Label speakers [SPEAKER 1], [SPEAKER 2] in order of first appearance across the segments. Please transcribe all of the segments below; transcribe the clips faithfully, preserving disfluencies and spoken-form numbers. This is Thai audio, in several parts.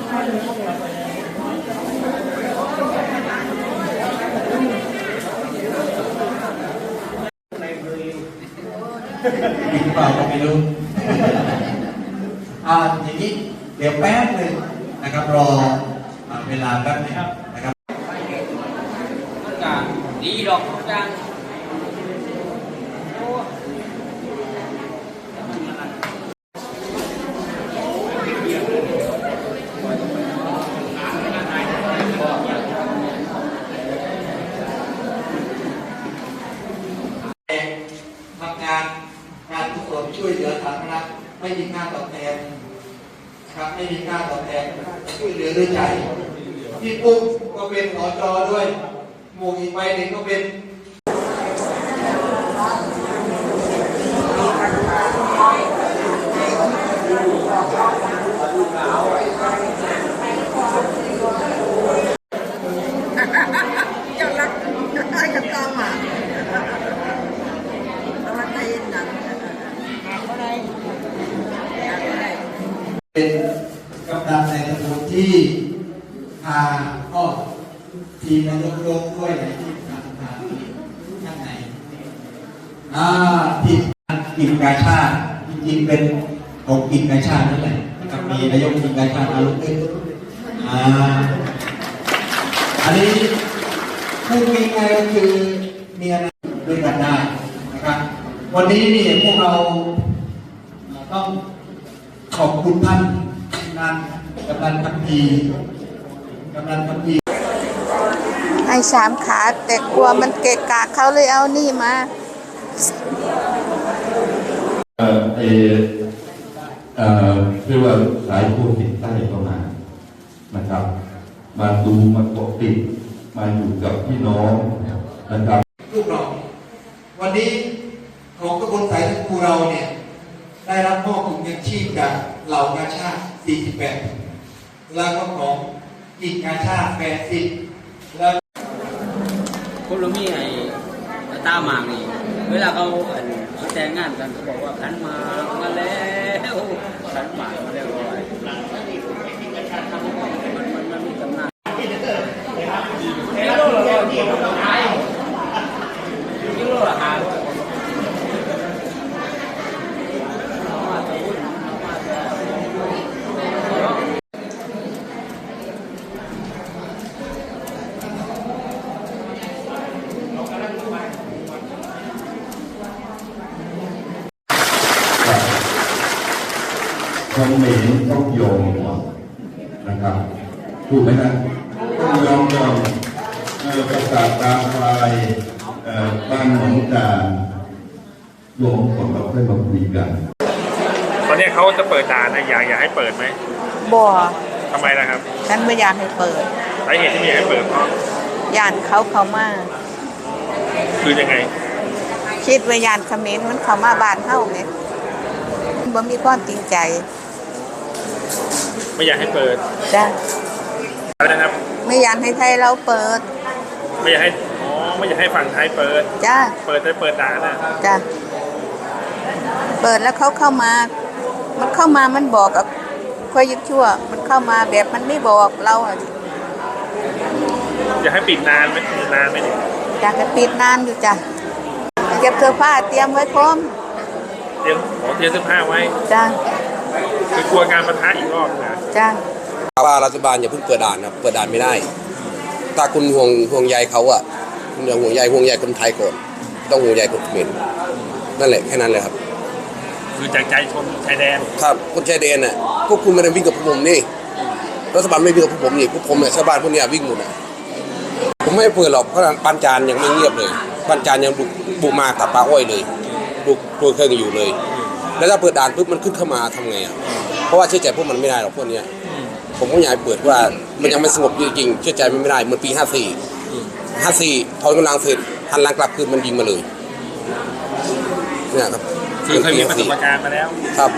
[SPEAKER 1] กินเปล่าก็ไม่รู้อ่าอย่างนี้เดี๋ยวแป๊บหนึ่งนะครับรอเวลาแป๊บนึงนะครับ
[SPEAKER 2] ดีดอกจัง
[SPEAKER 1] ทำงานการกุศลช่วยเหลือสาธารณะไม่มีค่าตอบแทนครับไม่มีค่าตอบแทนช่วยเหลือด้วยใจพี่ปุ๊กก็เป็นหอจอด้วยหมู่อีกใบหนึ่งก็เป็น
[SPEAKER 3] จะรักจะได้กับตาหมาอะไรหนังอะไร
[SPEAKER 1] เป็นกำลังในตำบลที่พาก็ทีมนายกโลกด้วยในที่ทางทางข้างในอ่าทีมกิจการชาติจริงๆเป็นของกิจการชาตินั่นแหละกับมีนายกกิจการชาติอารุณด้วยอ่าอันนี้พูดง่ายๆก็คือมีอะไรด้วยกันได้นะครับวันนี้นี่พวกเราต้องขอบคุณท่านนันกำนันพักดีกำนันพักดี
[SPEAKER 3] ไอ้สามขาแต่กลัวมันเกะกะเขาเลยเอานี่มา
[SPEAKER 4] เอ่อเอเอ่อเรียกว่าสายผู้ติดใต้เข้ามานะครับมาดูมาเกาะติดมาอยู่กับพี่น้องนะครับ
[SPEAKER 1] ลูกเราวันนี้ของกระบวนสายครูเราเนี่ยได้รับมอบถุงยังชีพจากเหล่ากาชาติสี่สิบแปดแล้วก็ของอีกกาชาติแปดสิบแล้ว
[SPEAKER 2] คุณลุงมีไอ้ตาหมากนี่เวลาเขาเขาแต่งงานกันเขาบอกว่าขันมามาแล้วขันหมากมาแล้วอะไรมันมันมันมีตำนานกิโลละร้อยกิโลละห้ากิโลละห้า
[SPEAKER 4] คนเหม็นต้องยอมนะครับถูกไหมนะต้องยอมก่อนประกาศตามไฟบ้านหนองจานรวมผลเราค่อยมาคุยกัน
[SPEAKER 5] ตอนนี้เขาจะเปิดด่านนะอยากอยากให้เปิดไหม
[SPEAKER 3] บ่
[SPEAKER 5] ทำไมล่ะครับ
[SPEAKER 3] ฉันไม่อยากให้เปิด
[SPEAKER 5] สาเหตุที่ไม่อยากให้เปิดเพราะ
[SPEAKER 3] ยานเขาเขามา
[SPEAKER 5] คือยังไง
[SPEAKER 3] คิดว่ายานเขมรมันเขามาบ้านเฮาไงบ่มีความจริงใจ
[SPEAKER 5] ไม่อยากให้เปิด
[SPEAKER 3] จ้ะ
[SPEAKER 5] อะไรนะครับ
[SPEAKER 3] ไม่อยากให้ไทยเราเปิด
[SPEAKER 5] ไม่อยากให้อ๋อไม่อยากให้ฝั่งไทยเปิด
[SPEAKER 3] จ้ะ
[SPEAKER 5] เปิดแต่เปิดด่านนะ
[SPEAKER 3] จ้ะเปิดแล้วเขาเข้ามามันเข้ามามันบอกกับค่อยยึดชั่วมันเข้ามาแบบมันไม่บอกเราอ่ะ
[SPEAKER 5] อยากให้ปิดนานไหมนานไหม
[SPEAKER 3] อยากจะปิดนานอยู่จ้ะเก็บเสื้อผ้าเตรียมไว้พร้อม
[SPEAKER 5] เตรียมขอเตรียมเสื้อผ้าไว้
[SPEAKER 3] จ้ะ
[SPEAKER 5] คือกลัวการปะทะอีกรอบนะ
[SPEAKER 3] จ้ะ
[SPEAKER 6] ว่ารัฐบาลอย่าเพิ่งเปิดด่านนะเปิดด่านไม่ได้ถ้าคุณห่วงห่วงใยเขาอ่ะคุณอย่าห่วงใยห่วงใยคนไทยก่อนต้องห่วงใยคนเขมรนั่นแหละแค่นั้นเลยครับ
[SPEAKER 5] คือจากใจชนชายแดน
[SPEAKER 6] ครับคนชายแดนน่ะพวกคุณไม่ได้วิ่งกับพวกผมนี่รัฐบาลไม่วิ่งกับพวกผมนี่พวกผมเนี่ยชาวบ้านพวกนี้วิ่งหมดนะผมไม่เปิดหรอกเพราะปันจานยังไม่เงียบเลยปันจานยังบุกบุกมาตัดปลาอ้อยเลยบุกตัวเครื่องอยู่เลยแล้วถ้าเปิดด่านปุ๊บมันขึ้นเข้ามาทำไงอ่ะเพราะว่าเชื่อใจพวกมันไม่ได้หรอกพวกนี้ผมก็อยากเปิดว่ามันยังไม่สงบจริงๆเชื่อใจมันไม่ได้เหมือนปีห้าสี่ห้าสี่ถอนกำลังเสร็จหันหลังกลับคืนมันยิงมาเลยเนี่ยครับ
[SPEAKER 5] คือเคยมีประสบการณ์มาแล้ว
[SPEAKER 6] ครับ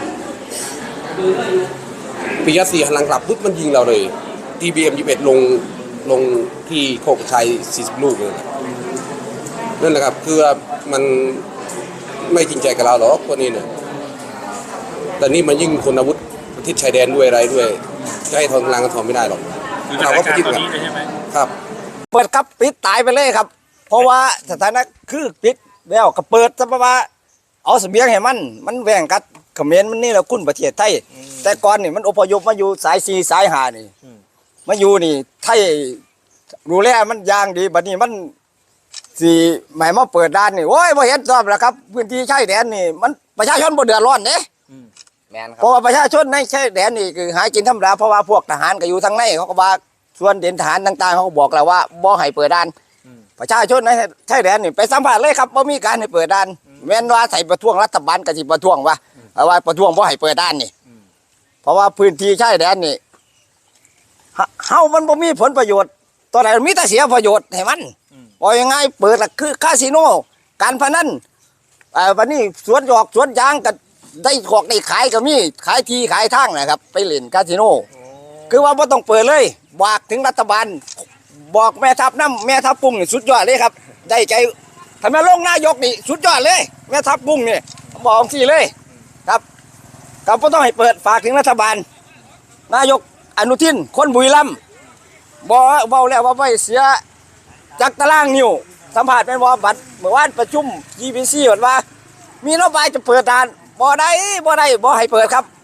[SPEAKER 6] ปีห้าสี่หันหลังกลับปุ๊บมันยิงเราเลยทีบีเอ็มยี่สิบเอ็ดลงลงที่โคกชัยสี่สิบลูกเลยนั่นแหละครับคือมันไม่จริงใจกับเราหรอกพวกนี้เนี่ยแต่นี่มันยิ่งคนอาวุธประเทศชายแดนด้วยอะไรด้วยจะให้ทนทางกันทนไม่ได้หรอก
[SPEAKER 5] คือสถา
[SPEAKER 6] เรา
[SPEAKER 5] น
[SPEAKER 6] ก็
[SPEAKER 5] การ
[SPEAKER 6] คิด
[SPEAKER 5] ณ์ตอน
[SPEAKER 6] กัน
[SPEAKER 5] นี้เลยใช่ไหม
[SPEAKER 6] ครับ
[SPEAKER 7] เปิดครับปิดตายไปเลยครับ เพราะว่าสถานะคือปิดแล้วก็เปิดซะเพราะว่าเอาเสบียงให้มันมันแบ่งกันเขมรมันนี่แหละคุณประเทศไทยแต่ก่อนนี่มันอพยพมาอยู่สายสีสายหานี่มาอยู่นี่ไทยดูแลมันอย่างดีบัดนี้มันสีใหม่มาเปิดด้านนี่โอ้ยบ่เห็นชอบแล้วครับพื้นที่ชายแดนนี่มันประชาชนบ่เดือดร้อนเด้
[SPEAKER 8] แม่นค
[SPEAKER 7] เพ
[SPEAKER 8] รับ
[SPEAKER 7] ราะว่าประชาชนในชายแดนนี่คือหากินธรรมดาเพราะว่าพวกทหารก็อยู่ทางในเขาก็ว่าส่วนเด่นทหารต่างๆเขาก็บอกแล้วว่าบ่ให้เปิดด้านประชาชนในชายแดนนี่ไปสัมผัสเลยครับบ่มีการให้เปิดด้านแม้นว่าใส่ประท้วงรัฐบาลก็สิประท้วงว่าเอาว่าประท้วงบ่ให้เปิดด้านนี่เพราะว่าพื้นที่ชายแดนนี่เฮาเฮามันบ่มีผลประโยชน์ตอนไหนมีแต่เสียประโยชน์ให้มันว่ายังไงเปิดละคือคาสิโนการพนันเอ่อวันนี้สวนหยอกสวนยางก็ได้ขอกได้ขายก็มีขายทีขายทางนะครับ ไปเล่นคาสิโนคือว่าบ่ต้องเปิดเลยบอกถึงรัฐบาลบอกแม่ทัพน้ำแม่ทัพกุ้งนี่สุดยอดเลยครับได้ใจทำไมลงนายกนี่สุดยอดเลย แม่ทัพกุ้งนี่บอกสิเลยครับก็บ่ต้องให้เปิดฝากถึงรัฐบาล นายกอนุทินคนบุรีรัมย์บอกเบาแล้วว่าไม่เสียจักตารางนิ้วสัมผัสเป็นว่าบัตรเมื่อวานประชุม จี พี ซี ว่ามีนโยบายจะเปิดด่านบ่ได้บ่ได้บ่ให้เปิดครับ